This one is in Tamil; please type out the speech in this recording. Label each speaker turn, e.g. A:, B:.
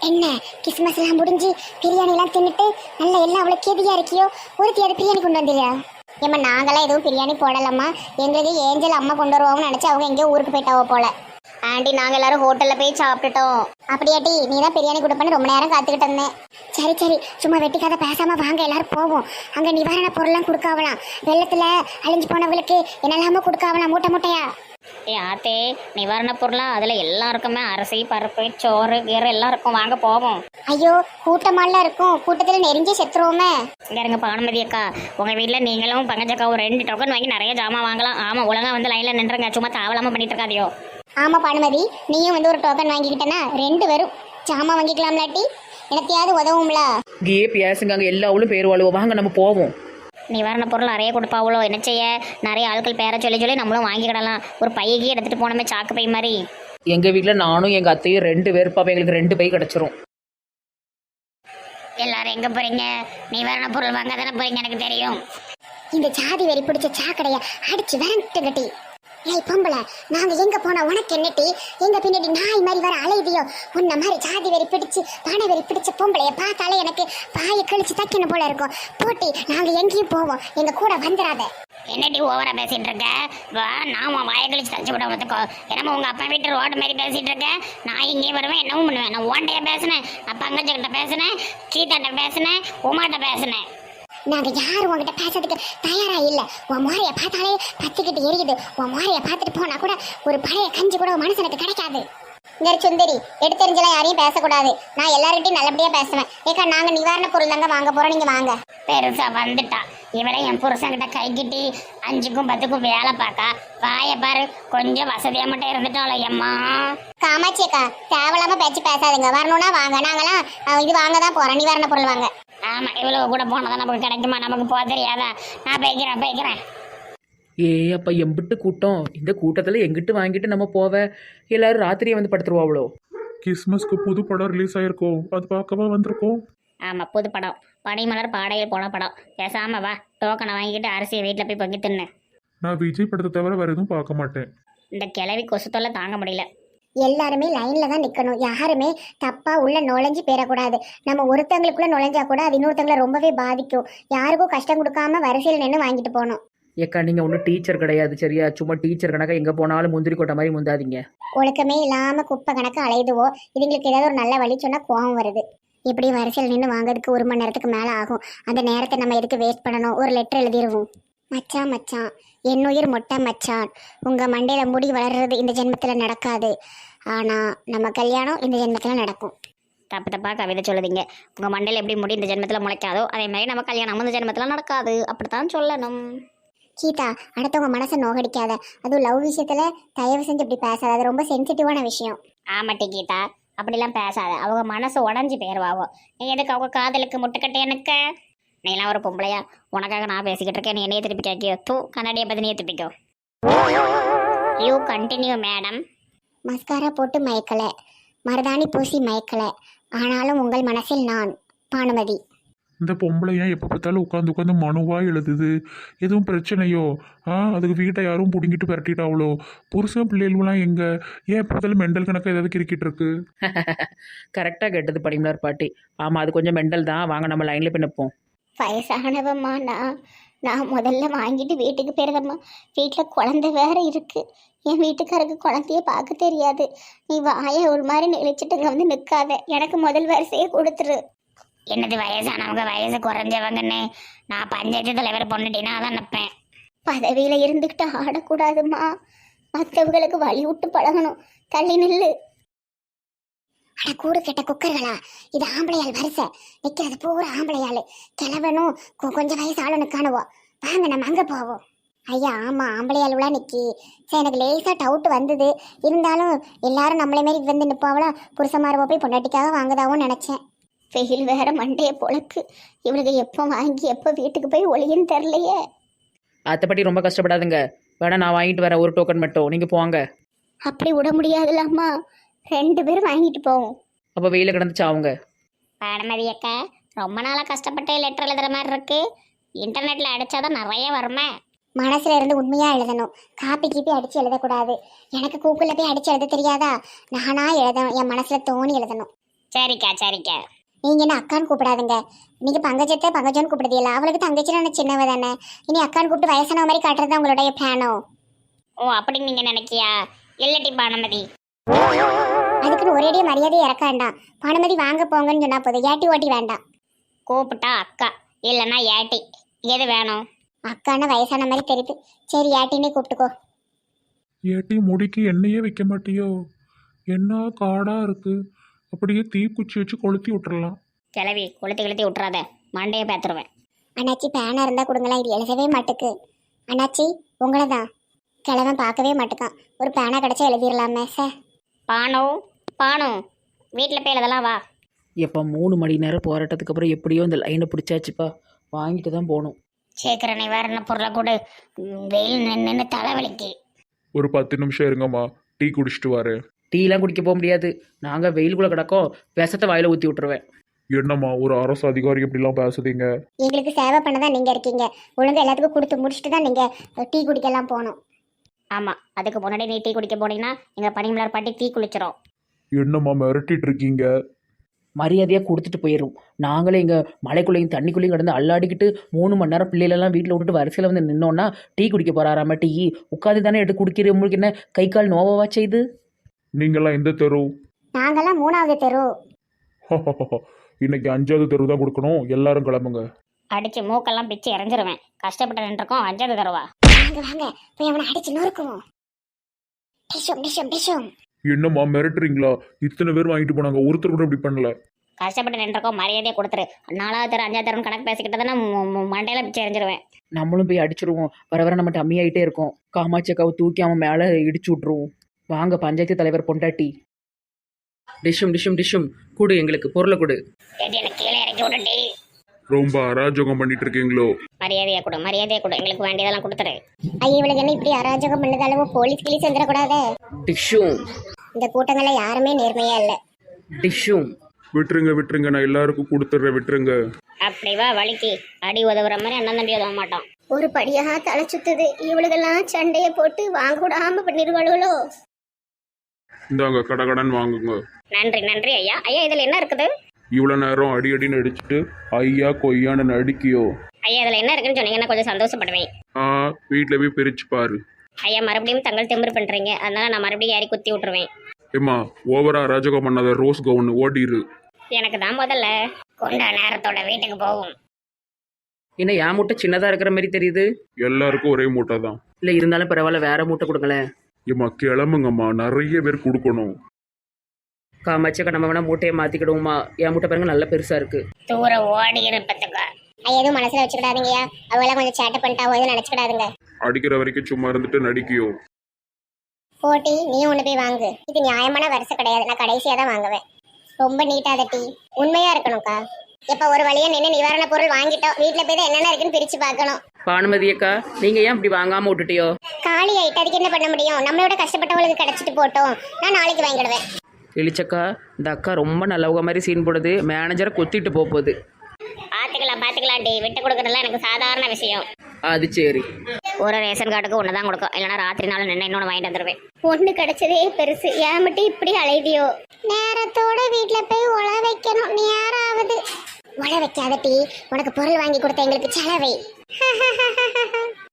A: என்ன கிறிஸ்மஸ் எல்லாம் முடிஞ்சு பிரியாணி எல்லாம் தின்னுட்டு நல்ல எல்லாம் அவ்வளவு கேதியா இருக்கியோ? ஒருத்தியாவது பிரியாணி கொண்டு வந்துறியா? ஏமா நாங்களாம் எதுவும் பிரியாணி போடலம்மா. எங்களுக்கு ஏஞ்சல் அம்மா கொண்டு வருவாங்கன்னு நினைச்சு அவங்க எங்கேயோ ஊருக்கு போயிட்டாவோ போல. ஆண்டி நாங்க எல்லாரும் ஹோட்டல்ல போய் சாப்பிட்டுட்டோம். அப்படியாட்டி நீ தான் பிரியாணி கொடுப்பேன்னு ரொம்ப நேரம் காத்துக்கிட்டு இருந்தேன். சரி சரி சும்மா வெட்டிக்காத பேசாம வாங்க எல்லாரும் போவோம். அங்க நிவாரண பொருள்லாம் கொடுக்காவலாம். வெள்ளத்துல அழிஞ்சு போனவங்களுக்கு என்னெல்லாமோ கொடுக்காவலாம் மூட்டை மூட்டையா.
B: ஆத்தே நிவாரண பொருளா அதுல எல்லாம் இருக்குமே, அரிசி பருப்பு சோறு கீரை எல்லாம் இருக்கும், வாங்க போவோம்.
A: ஐயோ கூட்டமாலாம் இருக்கும், கூட்டத்துல நெருங்கி செத்துருவோமே.
B: இங்க இருங்க பானுமதி அக்கா, உங்க வீட்டுல நீங்களும் பங்கஜக்காவும் 2 டோக்கன் வாங்கி நிறைய ஜாமான் வாங்கலாம். ஆமா ஒழுங்கா வந்து லைன்ல நின்றுங்க, சும்மா தாவலாம பண்ணிட்டு இருக்காதியோ.
A: ஆமா பானுமதி, நீயும் வந்து ஒரு டோக்கன் வாங்கிக்கிட்டனா 2 பேரும் ஜாமான் வாங்கிக்கலாம்லாட்டி எனத்தையாவது உதவும்ல.
C: கே பேசுங்க, அங்கே எல்லாவளும் பேர் வாழுவோம், வாங்க நம்ம போவோம்.
B: நிவாரண பொருள் நிறைய கொடுப்பாவளோ, என்ன செய்ய நிறைய ஆட்கள் பேர சொல்லி சொல்லி நம்மளும் வாங்கிக்கிடலாம். ஒரு பையகி எடுத்துட்டு போனோமே, சாக்கு பை மாதிரி.
C: எங்கள் வீட்டில் நானும் எங்கள் அத்தையும் 2 பேர் பாப்பா, எங்களுக்கு 2 பை கிடச்சிரும்.
B: எல்லாரும் எங்க போறீங்க? நிவாரண பொருள் வாங்க தானே போறீங்க, எனக்கு தெரியும்.
A: இந்த ஜாதி வெறி பிடிச்ச சாக்கடைய அடிச்சு விரண்டு கட்டி. ஏய் பொம்பளை, நாங்க எங்க போனா உனக்கு என்னட்டி? எங்க பின்னாடி நாய் மாதிரி வர அலையுதியோ? உன்ன மாதிரி ஜாதி வெறி பிடிச்சு பண வெறி பிடிச்ச பொம்பளைய பார்த்தாலே எனக்கு பாயை கழிச்சு தக்கணும் போல இருக்கும். போட்டி நாங்க எங்கேயும் போவோம், எங்க கூட வந்துடாத.
B: என்னடி ஓவரா பேசிட்டு இருக்க? வா நான் உன் வாயை கழிச்சு தச்சு விட வந்துக்கோ. என்னமோ உங்க அப்பா வீட்டு ரோடு மாதிரி பேசிட்டு இருக்க. நான் இங்கேயும் வருவேன், என்னவும் பண்ணுவேன். நான் ஓண்டையா பேசினேன், அப்பா அங்கச்சிக்கிட்ட பேசினேன், கீதாட்ட பேசினேன், உமாட்ட பேசினேன்.
A: நாங்க யாரும் உங்ககிட்ட பேசுறதுக்கு தயாரா இல்ல. உன் முறைய பார்த்தாலே பத்திக்கிட்டு எரியுது. உன் முறைய பார்த்துட்டு போனா கூட ஒரு பழைய கஞ்சி கூட மனுஷனுக்கு கிடைக்காது. இந்த சுந்தரி எடுத்தெரிஞ்செல்லாம் யாரையும் பேசக்கூடாது. நான் எல்லார்கிட்டையும் நல்லபடியா பேசுவேன். ஏக்கா நாங்க நிவாரண பொருள் தாங்க வாங்க போறோம், நீங்க வாங்க.
B: பெருசா வந்துட்டா இவளை என் புருஷன்கிட்ட கைக்கிட்டி 5க்கும் 10க்கும் வேலை பார்க்கா. வாய பாரு, கொஞ்சம் வசதியா மட்டும் இருந்துட்டாளோ எம்மா.
A: காமாட்சி அக்கா தேவையில்லாம பேச்சு பேசாதுங்க. வரணும்னா வாங்க, நாங்களாம் இது வாங்க தான் போறோம், நிவாரண பொருள் வாங்க.
B: ஆமா இவ்வளவு கூட போனதான் நமக்கு கிடைக்குமா? நமக்கு போக தெரியாதா? நான் போய்க்கிறேன்.
C: ஏ அப்போ எம்பிட்டு கூட்டம், இந்த கூட்டத்தில் எங்கிட்டு வாங்கிட்டு நம்ம போவ? எல்லாரும் ராத்திரியே வந்து படுத்துருவாவளோ.
D: கிறிஸ்மஸ்க்கு புது படம் ரிலீஸ் ஆயிருக்கோம், அது பார்க்கவா வந்திருக்கோம்.
B: ஆமா புது படம், பனிமலர் பாடையில் போன படம். பேசாம வா, டோக்கனை வாங்கிட்டு அரிசியை வீட்டில் போய் பொங்கி தின்னு.
D: நான் விஜய் படத்தை தவிர வேற எதுவும் பார்க்க மாட்டேன்.
B: இந்த கிளவி கொசு தொல்லை தாங்க முடியல.
A: எல்லாருமே லைன்ல தான் நிக்கணும். யாருமே தப்பா உள்ள நுழைஞ்சு போயிடக்கூடாது. நம்ம ஒருத்தங்களுக்குள்ள நுழைஞ்சா கூட அது இன்னொருத்தங்களை ரொம்பவே பாதிக்கும். யாருக்கும் கஷ்டம் கொடுக்காம வரிசையில் நின்று வாங்கிட்டு போகணும்.
C: ஏக்கா நீங்கள் ஒன்றும் டீச்சர் கிடையாது சரியா? சும்மா டீச்சர் கணக்கா எங்கே போனாலும் முந்திரி கொட்டை மாதிரி முந்தாதீங்க.
A: ஒழுக்கமே இல்லாம குப்பை கணக்கு அலையுதுவோ. இதுங்களுக்கு ஏதாவது ஒரு நல்ல வழி சொன்னா கோவம் வருது. எப்படி வரிசையில் நின்று வாங்குறதுக்கு 1 மணி நேரத்துக்கு மேலே ஆகும். அந்த நேரத்தை நம்ம எதுக்கு வேஸ்ட் பண்ணணும்? ஒரு லெட்டர் எழுதிடுவோம். மச்சான் மச்சான் என்னுயிர் மொட்டை மச்சான், உங்க மண்டையில முடி வளர்றது இந்த ஜென்மத்தில் நடக்காது, ஆனா நம்ம கல்யாணம் இந்த ஜென்மத்தில் நடக்கும்.
B: தப்பு தப்பா கவிதை சொல்லுதீங்க. உங்க மண்டையில் எப்படி முடி இந்த ஜென்மத்தில் முளைக்காதோ அதே மாதிரி நம்ம கல்யாணம் இந்த ஜென்மத்தில் நடக்காது, அப்படித்தான் சொல்லணும்.
A: கீதா அடுத்தவங்க மனசை நோகடிக்காத. அதுவும் லவ் விஷயத்துல தயவு செஞ்சு இப்படி பேசாத, அது ரொம்ப சென்சிட்டிவான விஷயம்.
B: ஆமாட்டி கீதா, அப்படிலாம் பேசாத. அவங்க மனசு உடஞ்சி போயிடுவாவோ. நீ எதுக்கு அவங்க காதலுக்கு முட்டுக்கட்டை? எனக்கு நீலாம் ஒரு பொம்பளையா? உனக்காக நான் பேசிக்கிட்டு இருக்கேன், நீ என்னையே திருப்பி கேட்கியோ? தூ கண்ணாடியை பற்றி நீயே திருப்பிக்கோ. You continue madam.
A: மஸ்காரா போட்டு மயக்கல, மருதாணி பூசி மயக்கல, ஆனாலும் உங்கள் மனசில் நான். பானுமதி.
D: இந்த பொம்பளை ஏன் எப்போ பார்த்தாலும் உட்காந்து மனுவா எழுதுது? எதுவும் பிரச்சனையோ? அதுக்கு வீட்டை யாரும் பிடுங்கிட்டு விரட்டிட்டாவளோ? புருஷன் பிள்ளைகள்லாம் எங்க? ஏன் எப்போ பார்த்தாலும் மெண்டல் கணக்காக ஏதாவது கிரிக்கிட்டு இருக்கு?
C: கரெக்டாக கேட்டது பனிமலர் பாட்டி. ஆமாம் அது கொஞ்சம் மெண்டல் தான். வாங்க நம்ம லைனில் போய் நிற்போம்.
A: வயசானவம்மா நான் முதல்ல வாங்கிட்டு வீட்டுக்கு போயிருந்தம்மா. வீட்டில் குழந்தை வேற இருக்கு. என் வீட்டுக்காரருக்கு குழந்தைய பார்க்க தெரியாது. நீ வாயை ஒரு மாதிரி நெளிச்சிட்டுங்க வந்து நிற்காத. எனக்கு முதல் வரிசையை கொடுத்துரு.
B: என்னது வயசானவங்க வயசு குறைஞ்சவங்கன்னு? நான் பஞ்சாயத்து தலைவர் பொண்ணுட்டினா அதான் நிற்பேன்.
A: பதவியில் இருந்துக்கிட்டு ஆடக்கூடாதுமா. மற்றவங்களுக்கு வழி விட்டு பழகணும். தள்ளி நில்லு. அட கூடு கெட்ட குக்கர்களா, இது ஆம்பளையால் வரிசை நிற்கிறது பூரா ஆம்பளையாள். கிளவனும் கொஞ்சம் வயசு ஆளுன்னு காணுவோம். வாங்க நம்ம அங்கே போவோம். ஐயா ஆமாம் ஆம்பளையாளுவா நிற்கி. சரி எனக்கு லேசாக டவுட் வந்தது. இருந்தாலும் எல்லாரும் நம்மளே மாரி வந்து நிற்பாவளா? புருஷமாரவோ போய் பொண்டாட்டிக்காக வாங்குதாவோன்னு நினச்சேன். வெயில் வேற மண்டைய பொழக்கு. இவனுக்கு எப்போ வாங்கி எப்போ வீட்டுக்கு போய் ஒளியுன்னு தெரிலையே.
C: அத்தைப்பட்டி ரொம்ப கஷ்டப்படாதுங்க. வேணா நான் வாங்கிட்டு வரேன், ஒரு டோக்கன் மட்டும். நீங்கள் போங்க.
A: அப்படி விட முடியாதுல்லம்மா. 2 பேரும் வாங்கிட்டு போவோம்.
C: அப்போ வெயில கிடந்துச்சு அவங்க.
B: பானுமதி அக்கா ரொம்ப நாளாக கஷ்டப்பட்டு லெட்டர் எழுதுற மாதிரி இருக்கு. இன்டர்நெட்டில் அடித்தாதான் நிறைய வருமே.
A: மனசுல இருந்து உண்மையா எழுதணும். காப்பி கீப்பி அடிச்சு எழுதக்கூடாது. எனக்கு கூகுளில் போய் அடிச்சு எழுத தெரியாதா? நானா எழுதணும், என் மனசுல தோணி எழுதணும்.
B: சரிக்கா சரிக்கா.
A: நீங்க என்ன அக்கான்னு கூப்பிடாதுங்க. நீங்க பங்கஜத்தை பங்கஜம்னு கூப்பிடுதீங்களா? அவளுக்கு தங்கச்சின்னு சின்னவ தானே. இனி அக்கான்னு கூப்பிட்டு வயசான மாதிரி காட்டுறது உங்களுடைய பிளானோ?
B: ஓ அப்படின்னு நீங்க நினைக்கியா? இல்லட்டி பானுமதி.
A: அதுக்குன்னு ஒரேடியே மரியாதை இறக்க வேண்டாம். பானுமதி வாங்க போங்கன்னு சொன்னா போதும், ஏட்டி ஓட்டி வேண்டாம்.
B: கூப்பிட்டா அக்கா இல்லைன்னா ஏட்டி, எது வேணும்?
A: அக்கான்னு வயசான மாதிரி தெரியுது. சரி ஏட்டின்னே கூப்பிட்டுக்கோ.
D: ஏட்டி முடிக்கு எண்ணெயே வைக்க மாட்டியோ? என்ன காடா இருக்கு, அப்படியே தீக்குச்சி வச்சு கொளுத்தி விட்டுறலாம்.
B: கிளவி கொளுத்தி கொளுத்தி விட்டுறாத, மண்டையை பேத்துருவேன்.
A: அண்ணாச்சி பேனா இருந்தா கொடுங்களா, இது எழுதவே மாட்டுக்கு. அண்ணாச்சி உங்களை தான். கிழவன் பார்க்கவே மாட்டுக்கான். ஒரு பேனா கிடைச்சா எழுதிடலாமே சார்.
B: பானு பானு, வீட்டில் போய் எழுதலாம் வா.
C: எப்போ 3 மணி நேரம் போராட்டத்துக்கு அப்புறம் எப்படியோ இந்த லைனை பிடிச்சாச்சுப்பா. வாங்கிட்டு தான் போகணும்.
B: சீக்கிர நிவாரண பொருளை கூட, வெயில் நின்று தலைவலிக்கு.
D: ஒரு 10 நிமிஷம் இருங்கம்மா, டீ குடிச்சிட்டு வரேன்.
C: டீலாம் குடிக்க போக முடியாது. நாங்கள் வெயிலுக்குள்ளே கிடக்கோம். விஷத்தை வாயில் ஊற்றி விட்டுருவேன்.
D: என்னம்மா ஒரு அரசு அதிகாரி இப்படிலாம் பேசுதீங்க?
A: எங்களுக்கு சேவை பண்ண தான் நீங்க இருக்கீங்க. ஒழுங்கா எல்லாத்துக்கும் கொடுத்து முடிச்சுட்டு தான் நீங்க டீ குடிக்கலாம் போகணும்.
B: ஆமாம், அதுக்கு முன்னாடி நீ டீ குடிக்க போனீங்கன்னா எங்கள் பனிமலர் பாட்டி தீ குளிச்சிரும்.
D: என்னம்மா மிரட்டிட்டு இருக்கீங்க?
C: மரியாதையாக கொடுத்துட்டு போயிடும். நாங்களே இங்கே மலைக்குள்ளேயும் தண்ணிக்குள்ளேயும் கிடந்து அல்லாடிக்கிட்டு 3 மணி நேரம் பிள்ளைகளெல்லாம் வீட்டில் விட்டுட்டு வரிசையில் வந்து நின்னோன்னா டீ குடிக்க போகிறாராம. டீ உட்காந்து தானே எடுத்து குடிக்கிற. உங்களுக்கு என்ன கை கால் நோவவா செய்து?
D: நீங்களாம் எந்த தெரு?
A: நாங்கெல்லாம் 3வது தெரு.
D: இன்னைக்கு 5வது தெரு தான் கொடுக்கணும். எல்லாரும் கிளம்புங்க.
B: அடித்து மூக்கெல்லாம் பிச்சு இறஞ்சிருவேன். கஷ்டப்பட்டு நின்றுருக்கோம், 5வது தருவா.
A: வாங்க வாங்க போய் அவனை அடிச்சு நொறுக்குவோம். டிஷும் டிஷும் டிஷும்.
D: என்னம்மா மிரட்டுறீங்களா? இத்தனை பேர் வாங்கிட்டு போனாங்க, ஒருத்தர் கூட இப்படி பண்ணல.
B: கஷ்டப்பட்டு நின்றுருக்கோம், மரியாதையை கொடுத்துரு. 4வது தரம் 5வது தரம் கணக்கு பேசிக்கிட்டு தானே மண்டையில பிச்சு எறிஞ்சிருவேன்.
C: நம்மளும் போய் அடிச்சிருவோம். வர வர நம்ம டம்மியாயிட்டே இருக்கோம். காமாட்சி அக்காவை தூக்கி அவன் மேலே இடிச்சு விட்ருவோம். வாங்க பஞ்சாயத்து தலைவர் பொண்டாட்டி. டிஷும் டிஷும் டிஷும் கொடு, எங்களுக்கு பொருளை கொடு.
B: எனக்கு கீழே இறக்கி விட்டுட்டி.
D: ரொம்ப அராஜகம் பண்ணிட்டு இருக்கீங்களோ?
B: மரியாதையை கொடு, மரியாதையை கொடு, எங்களுக்கு வேண்டியதெல்லாம் கொடுத்துரு.
A: ஐயா இவளுக்கு என்ன இப்படி அராஜகம் பண்ணதாலும் போலீஸ் கிளீஸ் வந்துடக்கூடாது.
C: டிஷும்
A: இந்த கூட்டங்கள்ல யாருமே நேர்மையா இல்ல.
C: டிஷும்.
D: விட்டுருங்க விட்டுருங்க, நான் எல்லாருக்கும் கொடுத்துட்றேன், விட்டுருங்க.
B: அப்படி வா வலிக்கு. அடி உதவுற மாதிரி அண்ணன் தம்பி உதவ மாட்டோம்.
A: ஒரு படியா தலை சுத்துது. இவளுக்கெல்லாம் சண்டைய போட்டு வாங்கூடாம பண்ணிருவாளுகளோ.
D: இந்தாங்க கடகடன் வாங்குங்க.
B: நன்றி நன்றி ஐயா. ஐயா இதில் என்ன இருக்குது?
D: இவ்வளோ நேரம் அடி அடின்னு அடிச்சுட்டு ஐயா கொய்யான்னு நடிக்கியோ?
B: ஐயா இதில் என்ன இருக்குன்னு சொன்னீங்கன்னா கொஞ்சம் சந்தோஷப்படுவேன்.
D: வீட்டில் போய் பிரிச்சு பாரு.
B: ஐயா மறுபடியும் தங்கள் திமிரு பண்ணுறீங்க, அதனால நான் மறுபடியும் ஏறி குத்தி விட்டுருவேன்.
D: ஏம்மா ஓவரா அராஜகம் பண்ணாத, ரோஸ் கவுன் ஓடிரு.
B: எனக்கு தான் முதல்ல கொண்டா நேரத்தோட வீட்டுக்கு போகும்.
C: என்ன என் மூட்டை சின்னதாக இருக்கிற மாதிரி தெரியுது?
D: எல்லாருக்கும் ஒரே மூட்டை தான்.
C: இல்லை இருந்தாலும் பரவாயில்ல, வேற மூட்டை கொடுங்களேன்.
D: ஏம்மா கிளம்புங்கம்மா, நிறைய பேர் கொடுக்கணும்.
C: காமாட்சி அக்கா நம்ம வேணா மூட்டையை மாற்றிக்கிடுவோமா? என் மூட்டை பாருங்க நல்ல பெருசாக இருக்கு.
B: தூரம் ஓடி இருப்பதுக்கா.
A: ஐயா எதுவும் மனசுல வச்சுக்கிடாதீங்கயா. அவெல்லாம் கொஞ்சம் சேட்டை பண்ணிட்டாவோ எதுவும் நினைச்சுக்கிடாதுங்க.
D: அடிக்கிற வரைக்கும் சும்மா இருந்துட்டு நடிக்கியோ?
A: போட்டி நீ ஒண்ணு போய் வாங்கு. இது நியாயமான வரிசை கிடையாது. நான் கடைசியா தான் வாங்குவேன். ரொம்ப நீட்டாத டீ. உண்மையா இருக்கணும்க்கா. இப்ப ஒரு வழியா நின்று நிவாரண பொருள் வாங்கிட்டோம். வீட்டுல போய் தான் என்னென்ன இருக்குன்னு பிரிச்சு பார்க்கணும்.
C: பானுமதி அக்கா நீங்கள் ஏன் இப்படி வாங்காமல் விட்டுட்டியோ?
A: காலி ஆயிட்டு அதுக்கு என்ன பண்ண முடியும்? நம்மளோட கஷ்டப்பட்டவங்களுக்கு கிடைச்சிட்டு போட்டோம். நான் நாளைக்கு வாங்கிடுவேன்.
C: எலிச்சக்கா இந்த அக்கா ரொம்ப நல்லவங்க மாதிரி சீன் போடுது. மேனேஜரை கொத்திட்டு போகுது.
B: பார்த்துக்கலாம் டி. விட்டு கொடுக்கறதுலாம் எனக்கு சாதாரண விஷயம்.
C: அது சரி.
B: ஒரு ரேஷன் கார்டுக்கு ஒன்று தான் கொடுக்கும், இல்லைன்னா ராத்திரி நாள் நின்று இன்னொன்று வாங்கிட்டு வந்துடுவேன்.
A: ஒண்ணு கிடைச்சதே பெருசு. ஏன் மட்டும் இப்படி அலைதியோ? நேரத்தோட வீட்டுல போய் உழ வைக்கணும். நேராவது உழ வைக்காத டீ. உனக்கு பொருள் வாங்கி கொடுத்த எங்களுக்கு செலவை.